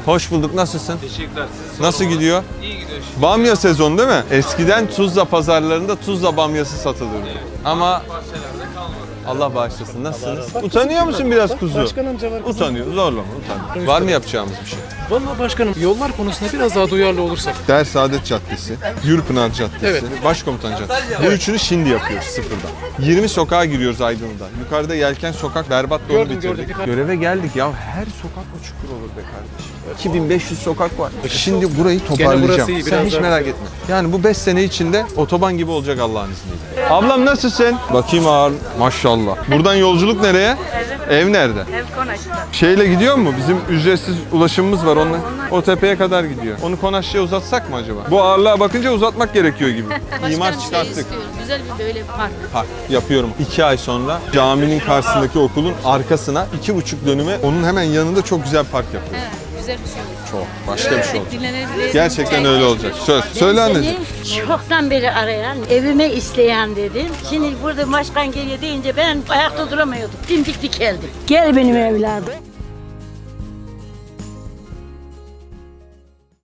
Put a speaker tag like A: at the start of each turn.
A: Hoş bulduk. Nasılsın?
B: Teşekkürler.
A: Nasıl gidiyor?
B: İyi gidiyor şimdi.
A: Bamya sezonu değil mi? Eskiden Tuzla pazarlarında Tuzla bamyası satılırdı. Ama
B: Bahçelerde kalmadı.
A: Allah bağışlasın. Nasılsınız? Utanıyor musun biraz kuzu?
C: Başkan amca var.
A: Utanıyor. Zorlama. Utanıyor. Var mı yapacağımız bir şey?
C: Vallahi başkanım yollar konusunda biraz daha duyarlı olursak.
A: Dersaadet Caddesi, Gürpınar Caddesi,
C: Evet.
A: Başkomutan Caddesi. Bu üçünü şimdi yapıyoruz sıfırdan. 20 sokağa giriyoruz Aydın'da. Yukarıda Yelken Sokak berbat da onu
C: Gördüm,
A: bitirdik.
C: gördüm.
A: Göreve geldik ya. Her sokak mı çukur olur be kardeşim? 2500 sokak var. Şimdi burayı toparlayacağım.
C: burası iyi,
A: Sen
C: biraz
A: hiç
C: daha
A: merak etme. Yani bu 5 sene içinde otoban gibi olacak Allah'ın izniyle. Ablam nasılsın? Bakayım ağır. Maşallah. Buradan yolculuk nereye? Ev nerede?
D: Ev Konaş'ta.
A: Şeyle gidiyor mu? Bizim ücretsiz ulaşımımız var onunla. O tepeye kadar gidiyor. Onu Konaşçı'ya uzatsak mı acaba? Bu ağırlığa bakınca uzatmak gerekiyor gibi. İmar
D: Başka bir şey
A: çıkarttık.
D: istiyoruz. Güzel bir böyle park.
A: Park yapıyorum. 2 ay sonra caminin karşısındaki okulun arkasına 2,5 dönüme onun hemen yanında çok güzel park yapıyorum.
D: Evet, güzel bir şey olur.
A: Çok. Başka bir şey olacak.
D: Dinlenebiliriz.
A: Gerçekten öyle olacak. Söz. Söyle anneciğim.
E: Seni çoktan beri arayan, evime isteyen dedim. Şimdi burada başkan geliyor deyince ben ayakta duramıyordum. Dimdik dikeldim. Gel benim evladım.